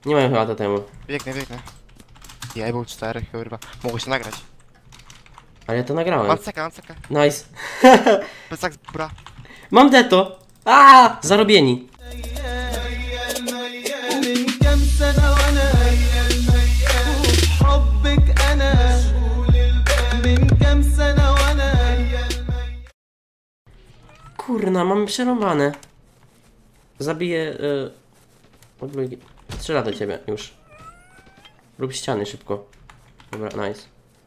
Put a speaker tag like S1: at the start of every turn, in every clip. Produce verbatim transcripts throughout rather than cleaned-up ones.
S1: Nie mają chyba totemu.
S2: Biegnę, biegnę. Ja był cztery, kurwa. Mogło się nagrać.
S1: Ale ja to nagrałem.
S2: Mam cekę, mam cekę.
S1: Nice.
S2: Plecak z bura.
S1: Mam deto! Aaa! Zarobieni. Kurna, mamy przerąbane. Zabiję... Yy... Odblogi... Strzela do ciebie, już. Rób ściany szybko. Dobra, nice.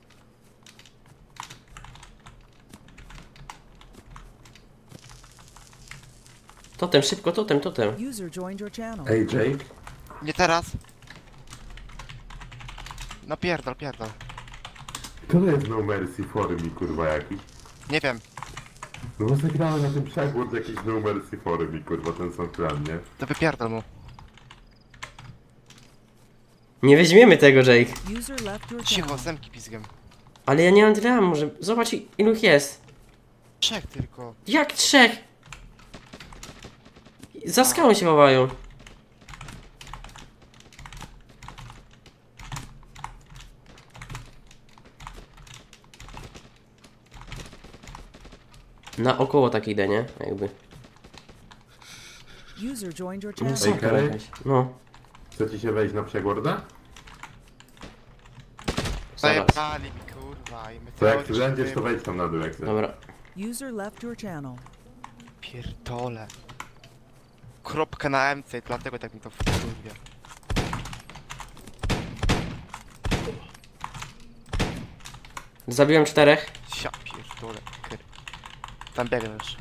S1: Totem, szybko, totem, totem.
S3: Ej, Jake?
S2: Nie teraz. No pierdol, pierdol.
S3: To jest No Mercy Forum i kurwa jakiś.
S2: Nie wiem.
S3: No bo zagrałem na tym przegłód jakiś No Mercy Forum i kurwa ten sam plan, nie?
S2: To wypierdol mu.
S1: Nie weźmiemy tego, Jake.
S2: Cicho, zemki pizgiem.
S1: Ale ja nie mam tyle ammo, że... Zobacz ilu ich jest.
S2: Trzech tylko.
S1: Jak trzech? Za skałą się chowają. Na około tak idę, nie? Jakby. No, są
S3: Ej, Kary?
S1: no.
S3: Chcecie się wejść na przegłorda?
S1: Zaraz.
S2: Zajebali mi kurwa i my
S3: To jak ty
S2: teoretycznie
S3: będziesz, to
S2: wiemy.
S3: wejdź tam na dół jak chcesz.
S1: Dobra.
S4: User left your channel.
S2: Pierdole. Kropka na M C, dlatego tak mi to wkurwia.
S1: Zabiłem czterech.
S2: Sia pierdole. Kyr. Tam biegniesz.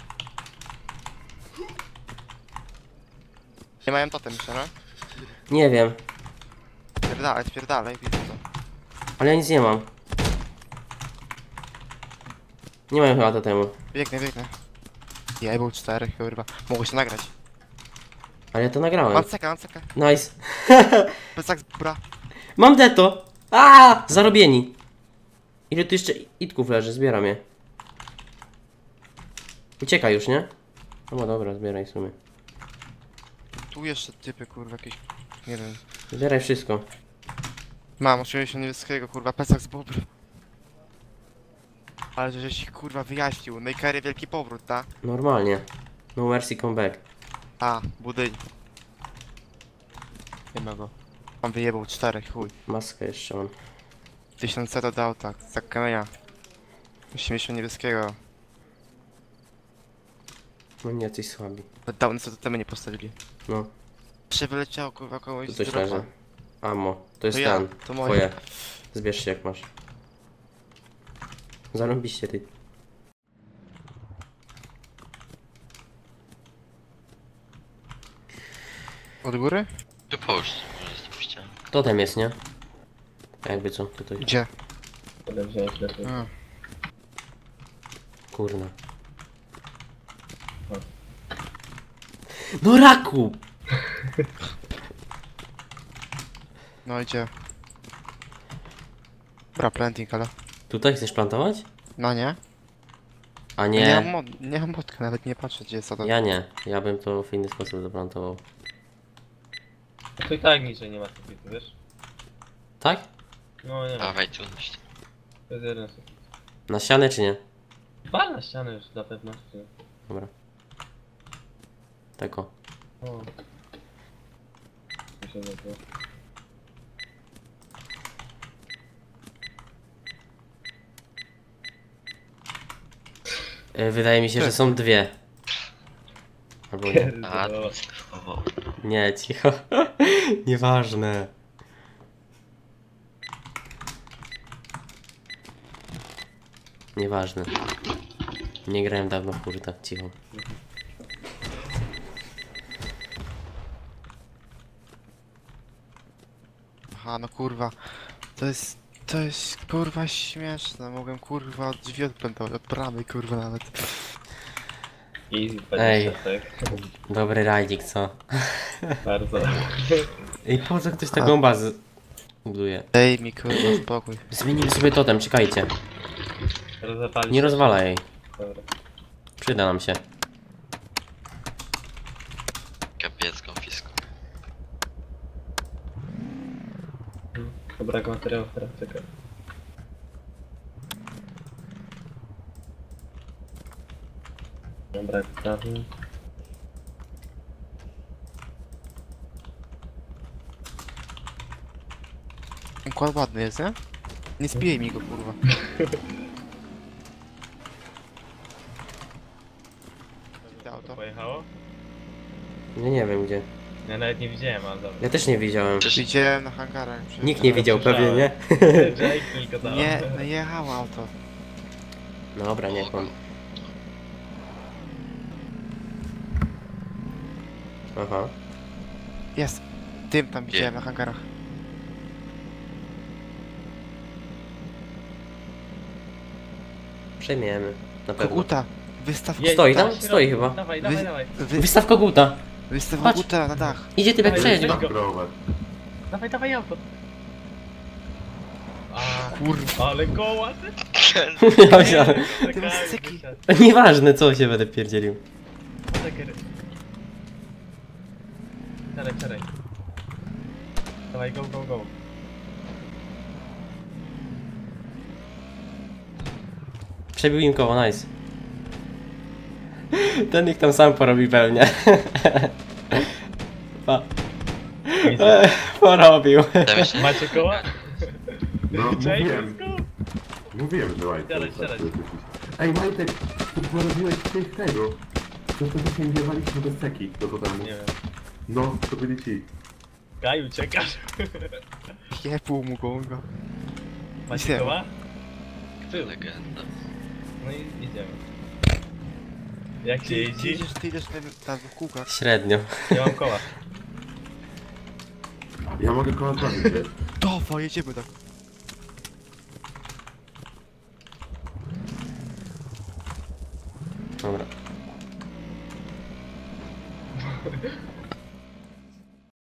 S2: Nie mają totem jeszcze, no?
S1: Nie wiem.
S2: Spierdalaj, spierdalaj, widzę to.
S1: Ale ja nic nie mam. Nie mają chyba totemu.
S2: Biegnę, biegnę. Ja był cztery, kurwa. Mogło się nagrać.
S1: Ale ja to nagrałem.
S2: Mam cekę, mam cekę.
S1: Nice.
S2: Plecak z bura.
S1: Mam deto! Aaa! Zarobieni. Ile tu jeszcze itków leży? Zbieram je. Uciekaj już, nie? No dobra, zbieraj w sumie.
S2: Tu jeszcze typy, kurwa, jakieś... Nie wiem.
S1: Zbieraj wszystko.
S2: Mam osiemdziesiąt niebieskiego, kurwa, plecak z bobr. Ale żeś ich, kurwa, wyjaśnił. No i Kary wielki powrót, ta?
S1: Normalnie. No mercy come back.
S2: A, budyń. Nie ma go. On wyjebał cztery, chuj.
S1: Maskę jeszcze mam.
S2: Tysiąc C dodał, tak, za kamienia. osiemdziesiąt niebieskiego.
S1: No nie, jacyś słabi.
S2: Dawno co do temu nie postawili.
S1: No,
S2: Czy wyleciało, kurwa, kogoś
S1: tu
S2: z
S1: coś
S2: dropa?
S1: leży. Ammo. To jest
S2: To ja,
S1: ten.
S2: to moje.
S1: Twoje. Zbierz się jak masz. Zarąbiście ty.
S2: Od góry?
S5: Tu połóż, może spuściłem.
S1: Totem jest, nie? Jakby co, tutaj.
S2: Gdzie?
S6: Potem wziąć lepiej.
S2: A.
S1: Kurna. No raku!
S2: No idzie. Bra, planting, ale...
S1: Tutaj chcesz plantować?
S2: No nie?
S1: A
S2: Nie, nie mam,
S1: nie.
S2: mod, nie mam modka, nawet nie patrzę gdzie jest to.
S1: Ja nie. Ja bym to w inny sposób zaplantował.
S6: To i tak niczej nie ma sufitu, wiesz?
S1: Tak?
S6: No nie ma.
S5: Dawaj tu.
S6: To jest jeden sufit.
S1: Na ścianę czy nie?
S6: Dwa na ścianę już dla pewności.
S1: Dobra. Tako.
S6: O. Mi się nie było.
S1: Y, Wydaje mi się, że są dwie. Albo nie.
S5: A,
S6: Pierdolę.
S5: o,
S1: Nie, cicho. Nieważne. Nieważne. Nie grałem dawno w kurta, cicho.
S2: Aha, no kurwa. To jest... To jest kurwa śmieszne. Mogłem kurwa od drzwi odpętować, od bramy kurwa nawet.
S6: Easy
S1: Ej.
S6: dwadzieścia, tak?
S1: Dobry rajdzik, co?
S6: Bardzo.
S1: I po co ktoś taką bazę buduje?
S2: Dej mi kurwa spokój.
S1: Zmienimy sobie totem, czekajcie.
S6: Rozapalić.
S1: Nie rozwalaj jej.
S6: Dobra.
S1: Przyda nam się.
S5: kapiec konfisku.
S6: Brak materiałów teraz, czekaj. Brak prawy.
S2: Układ ładny jest, nie? Nie spijaj mi go, kurwa. To auto.
S6: Pojechało?
S1: Nie, nie wiem gdzie.
S6: Ja nawet nie widziałem, ale dobra.
S1: Ja też nie widziałem.
S2: Widziałem na hangarach. przecież-
S1: Nikt nie widział pewnie, nie?
S6: Jake tylko dał.
S2: Nie, no jechało auto.
S1: Dobra, niech on. Aha.
S2: Jest. Tym tam widziałem na hangarach.
S1: Przejmiemy. Na pewno.
S2: Koguta! Wystaw
S6: Jedź,
S1: Stoi tam?
S6: dawaj,
S1: Stoi chyba.
S6: Dawaj,
S2: Wy-
S6: dawaj, dawaj.
S2: Wy...
S1: Wystaw koguta.
S2: Wystaw
S1: Patrz.
S2: koguta na dach.
S1: Idzie typek
S6: Dawaj,
S1: przejedź
S6: weź
S1: go.
S6: go.
S3: Prowadź.
S6: Dawaj, dawaj auto. A,
S2: Kurwa.
S6: ale koła ty.
S1: Ja myślałem.
S2: Ty masz cyki.
S1: Nieważne co się będę pierdzielił.
S6: Czekaj. Czekaj, czekaj. Dawaj, go, go, go.
S1: Przebił im koło, nice. Ten niech tam sam porobi pewnie. Pa. E, porobił.
S5: Damy się.
S6: Macie koła?
S3: No,
S6: Jake,
S3: mówiłem.
S6: let's go.
S3: Mówiłem, że Majtek.
S6: Siadaj,
S3: jest
S6: siadaj.
S3: tak, Ej, Majtek, ty porobiłeś tych tego. To wtedy się wjewaliśmy do ceki, do domu.
S6: Nie wiem.
S3: No, to byli ci.
S6: Gaj, uciekasz.
S2: Jebł mu go. go.
S6: Macie
S2: Nie.
S6: koła? Ty.
S5: Legenda.
S6: No i idziemy. Jak się
S2: Ty, ty
S6: jeździ?
S2: idziesz, ty idziesz tam, tam w kółkach.
S1: Średnio.
S6: Nie mam koła.
S3: Ja mogę koło zrobić, wiesz?
S2: Dawaj, jedziemy tak.
S1: Dobra.